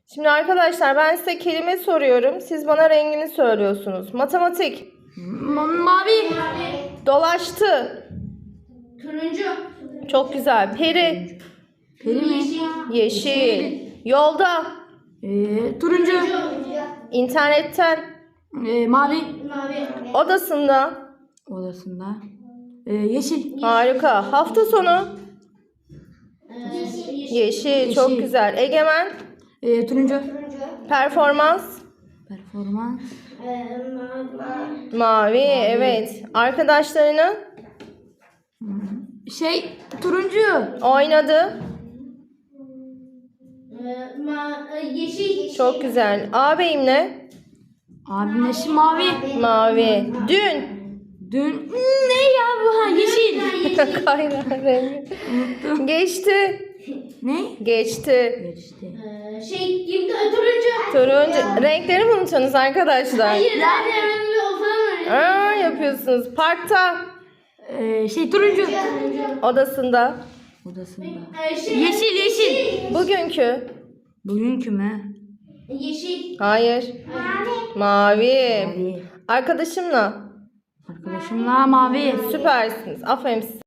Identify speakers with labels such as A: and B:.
A: Şimdi arkadaşlar ben size kelime soruyorum. Siz bana rengini söylüyorsunuz. Matematik.
B: Mavi.
A: Dolaştı.
C: Turuncu.
A: Çok güzel. Peri.
B: Peri mi?
A: Yeşil. Yolda.
B: Turuncu.
A: İnternetten.
B: Mavi.
C: Mavi.
A: Odasında.
B: Odasında. Yeşil.
A: Harika. Hafta sonu. Yeşil. Çok
B: Yeşil.
A: güzel. Egemen.
B: Turuncu.
A: Performans.
B: Performans.
A: Mavi. Evet. Arkadaşlarını
B: Turuncu.
A: oynadı.
C: Yeşil.
A: Çok güzel. Ağabeyimle
B: Abim neşi mavi.
A: mavi. Dün.
B: Dün ne ya bu? Ha, yeşil.
A: Kaynar rengi. Geçti.
B: Ne?
A: Geçti.
B: Geçti.
C: Turuncu.
A: Turuncu. Renkleri mi unutuyorsunuz arkadaşlar?
C: Hayır. O falan var.
A: Yapıyorsunuz. Parkta.
B: Turuncu.
A: Odasında.
B: Odasında.
C: Yeşil.
A: Bugünkü.
B: Bugünkü mü?
C: Yeşil.
A: Hayır. Mavi.
B: Mavi.
A: Arkadaşımla.
B: Arkadaşımla mavi.
A: Süpersiniz. Aferin size.